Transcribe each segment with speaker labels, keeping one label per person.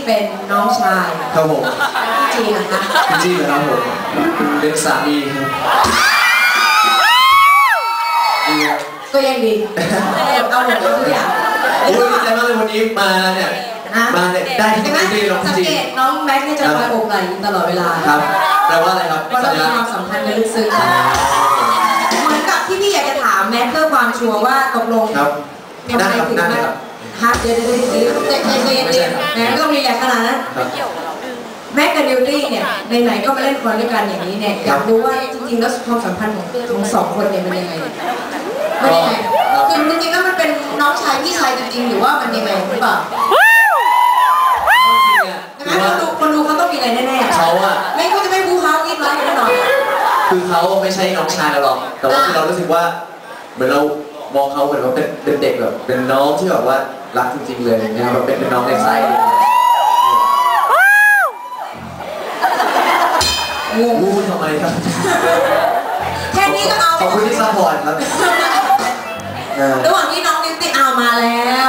Speaker 1: เป็นน้องชาย
Speaker 2: ครับผม
Speaker 1: จีนะคะ
Speaker 2: จีนะครับผมเป็นสามี
Speaker 1: ก็ยังดีเอาหมดทุกอย่าง
Speaker 2: โอ้ยดีใจมากเลยวันนี้มาเนี่ยมาเนี่ยได้ที่นี่น้องจี
Speaker 1: สังเกตน้องแม็กซ์เนี่ยจะคอยโอบไหล่ตลอดเวลา
Speaker 2: ครับแปลว่าอะไรครับ
Speaker 1: ว่าเรามีความสัมพันธ์กันลึกซึ้งเหมือนกับที่พี่อยากจะถามแม็กซ์เพื่อความชัวร์ว่าตกลง
Speaker 2: ครับ
Speaker 1: ทำไมถึงมาฮะเดี๋ยวแม็กซ์ก็มีแรงขนาดนั้นแม็กกับนิวตี้เนี่ยไหนๆก็มาเล่นคอนด้วยกันอย่างนี้เนี่ยอยากรู้ว่าจริงๆแล้วความสัมพันธ์ของสองคนเนี่ยมันยังไงมันยังไงคือจริงๆแล้วมันเป็นน้องชายพี่ชายจริงๆหรือว่ามันยังไงหรือเปล่าคนดูเขาต้องมีอะไรแน่ๆ
Speaker 2: เขาอะ
Speaker 1: ไม่เขาจะไม่บู๊เขาอีกร้อยแน่นอน
Speaker 2: คือเขาไม่ใช่น้องชายเราหรอกแต่ว่าเรารู้สึกว่าเหมือนเรามองเขาเหมือนว่าเป็นเด็กแบบเป็นน้องที่แบบว่ารักจริงๆเลยนะครับเป็นน้องในไส้งูทำไมครับ
Speaker 1: แค่นี้ก็เอา
Speaker 2: ขอบคุณที่ซัพพอร์ตครับ
Speaker 1: ระหว่างที่น้องนิวตี้เอามาแล้ว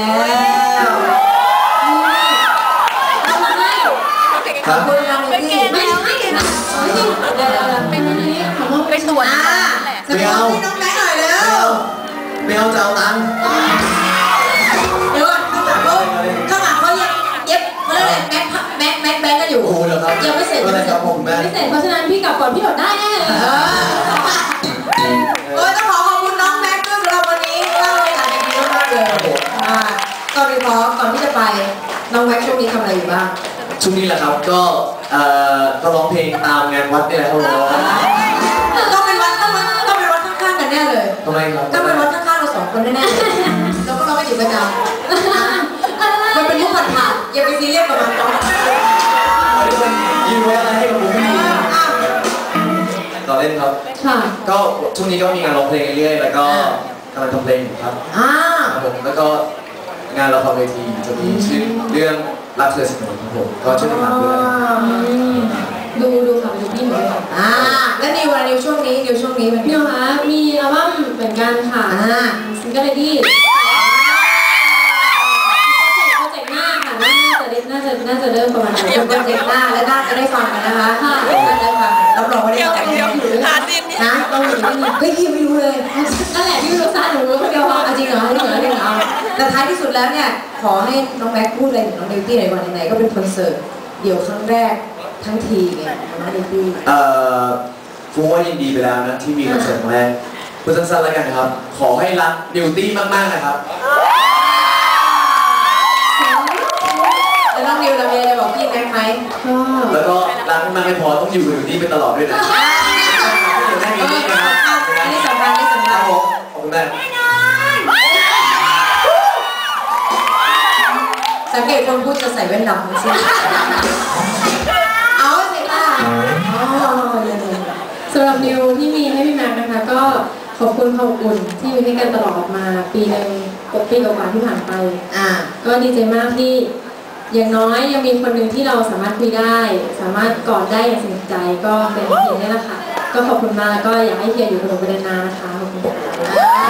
Speaker 1: ขอบคุณน้องนิวตี้ไม่ใช่นะเป็นอันนี้ของเราไปสวน
Speaker 2: ไม่เอา
Speaker 1: น้องแม็กหน่อยเร็ว
Speaker 2: ไม่เอาจะเอาตังค์
Speaker 1: เดี๋ยวข้างหลังเขาเย็บเขาเรียกอะไรแม็กกันอยู่ยังไม่เสร็จ
Speaker 2: ไม่เสร็จ
Speaker 1: เพราะฉะนั้นพี่กลับก่อนพี่หมดได้แน่เลยต้องขอขอบคุณน้องแม็กด้วยสำหรับวันนี้เล่าเรื่องอะไรดีมากเลยก่อนที่จะไปน้องแม็กช่วงนี้ทำอะไรอยู่บ้าง
Speaker 2: ช่วงนี้แหละครับก็ร้องเพลงตามงานวัดนี่แหละครับ
Speaker 1: ต้องเป็นวัดข้างๆกันแน่เลย
Speaker 2: ทำไมครับ
Speaker 1: ต้องเป็นวัดข้างๆเราสองคนแน่ๆเราก็ร้องไม่ถึงประจำมันเป็นมุกผ่านอย่าไปซีเรียสกับมัน
Speaker 2: ยืนไว้อะไรให้กับผมต่อเล่นครับก็ช่วงนี้ก็มีงานร้องเพลงเรื่อยๆแล้วก็กำลังทำเพลงอยู่ครับผมแล้วก็งานละครเวทีจะมีชื่อเรื่องรักเธอเสมอครับผมก็ช่วยติดตามด้วย
Speaker 1: ดูค่ะดูพี่หน่อยแล้วนิวช่วงนี้มัน
Speaker 3: นิวคะมีอัลบั้มเหมือนกันค่ะซิงเกิลเลดี้โปรเจกต์หน้าค่ะน่าจะเริ่มประมาณ
Speaker 1: โปรเจกต์หน้าและน่าจะได้ฟังกันนะคะน่าจะได้ฟังรับรองว่าได้ฟังนะต้องอยู่ที่นี่พี่ไม่รู้เลย
Speaker 3: นั่นแหละที่รู้ซะหนูรู้คนเดียว
Speaker 1: จริงเหรอแต่ท้ายที่สุดแล้วเนี่ยขอให้น้องแม็กพูดอะไรถึงน้องนิวตี้หน่อยวันไหนก็เป็นคอนเสิร์ตเดี่ยวครั้งแรกทั้งทีไงน้องนิวตี้
Speaker 2: ฟูว่ายินดีไปแล้วนะที่มีคอนเสิร์ตแรกพูดสั้นๆแล้วกันครับขอให้รักนิวตี้มากๆนะครับ
Speaker 1: แล้วน้องนิวเรามีอะไรบอกพี่แม็กไหม
Speaker 2: แล้วก็รักมากไม่พอต้องอยู่กับนิวตี้ไปตลอดด้วยนะ
Speaker 1: อันนี้สำคัญ
Speaker 2: ขอบคุณแม่
Speaker 1: สังเกตคนพูดจะใส่แว่นดำทั้งสิ้นเอาสิค่ะ
Speaker 3: สำหรับนิวที่มีให้พี่แม็กนะคะก็ขอบคุณความอบอุ่นที่มีให้กันตลอดมาปีหนึ่งปีกว่าที่ผ่านไปก็ดีใจมากที่อย่างน้อยยังมีคนหนึ่งที่เราสามารถคุยได้สามารถกอดได้อย่างสนิทใจก็เป็นเฮียนี่แหละค่ะก็ขอบคุณมากแล้วก็อยากให้เฮียอยู่กับเราไปนานๆนะคะขอบคุณค่ะ